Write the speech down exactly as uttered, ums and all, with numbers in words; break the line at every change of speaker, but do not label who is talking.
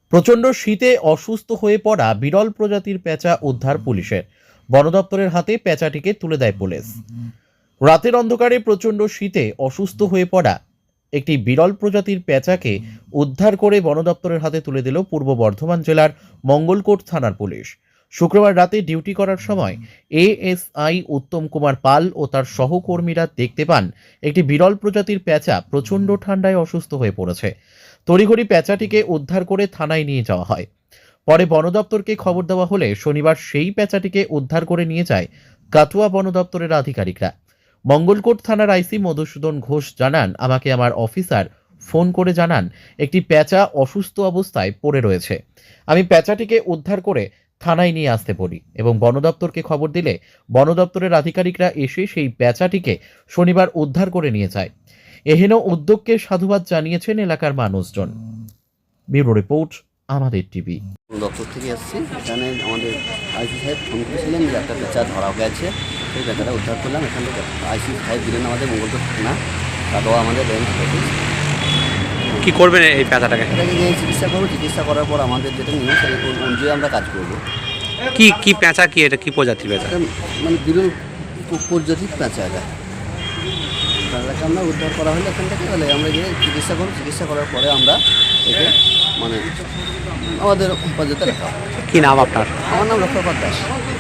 প্রচণ্ড শীতে অসুস্থ হয়ে পড়া বিরল প্রজাতির পেঁচা উদ্ধার পুলিশের। বন দপ্তরের হাতে পেঁচাটিকে তুলে দেয় পুলিশ। রাতের অন্ধকারে প্রচণ্ড শীতে অসুস্থ হয়ে পড়া একটি বিরল প্রজাতির পেঁচাকে উদ্ধার করে বন দপ্তরের হাতে তুলে দিল পূর্ব বর্ধমান জেলার মঙ্গলকোট থানার পুলিশ। শুক্রবার রাতে ডিউটি করার সময় এএসআই উত্তম কুমার পাল ও তার সহকর্মীরা দেখতে পান একটি বিরল প্রজাতির পেঁচা প্রচণ্ড ঠান্ডায় অসুস্থ হয়ে পড়েছে। তড়িঘড়ি পেঁচাটিকে উদ্ধার করে থানায় নিয়ে যাওয়া হয়। পরে বন দপ্তরকে খবর দেওয়া হলে শনিবার সেই পেঁচাটিকে উদ্ধার করে নিয়ে যায় কাটুয়া বন দপ্তরের আধিকারিকরা। মঙ্গলকোট থানার আইসি মধুসূদন ঘোষ জানান, আমাকে আমার অফিসার ফোন করে জানান একটি পেঁচা অসুস্থ অবস্থায় পড়ে রয়েছে। আমি পেঁচাটিকে উদ্ধার করে থানায় নিয়ে আসতে বলি এবং বন দপ্তরকে খবর দিলে বন দপ্তরের আধিকারিকরা এসে সেই পেঁচাটিকে শনিবার উদ্ধার করে নিয়ে যায়। এহেন উদ্যোগকে সাধুবাদ জানিয়েছেন এলাকার মানুষজন। ব্যুরো রিপোর্ট, আমাদের টিভি।
দপ্তর থেকে এসেছি, এখানে আমাদের আইসি সাহেব ফোন করেছিলেন যে একটা পেঁচা ধরা গেছে, সেই পেঁচাটা উদ্ধার করলাম। এখান থেকে আইসি সাহেব দিলেন আমাদের মঙ্গলকোট থানা, তারপর আমাদের রেঞ্জ অফিস।
কী করবেন এই পেঁচাটাকে?
এটাকে নিয়ে চিকিৎসা করবো, চিকিৎসা করার পর আমাদের যেটা নিয়ম সেই অনুযায়ী আমরা কাজ করবো।
কি কি পেঁচা, কি এটা কি প্রজাতির পেঁচা?
এটা মানে বিরল প্রজাতির পেঁচা, এটা তাদেরকে আমরা উদ্ধার করা হলে এখান থেকে তাহলে আমরা গিয়ে চিকিৎসা করবো। চিকিৎসা করার পরে আমরা একে মানে আমাদের হেফাজতে রাখা।
কি নাম আপনার?
আমার নাম রক্ষাপাত দাস।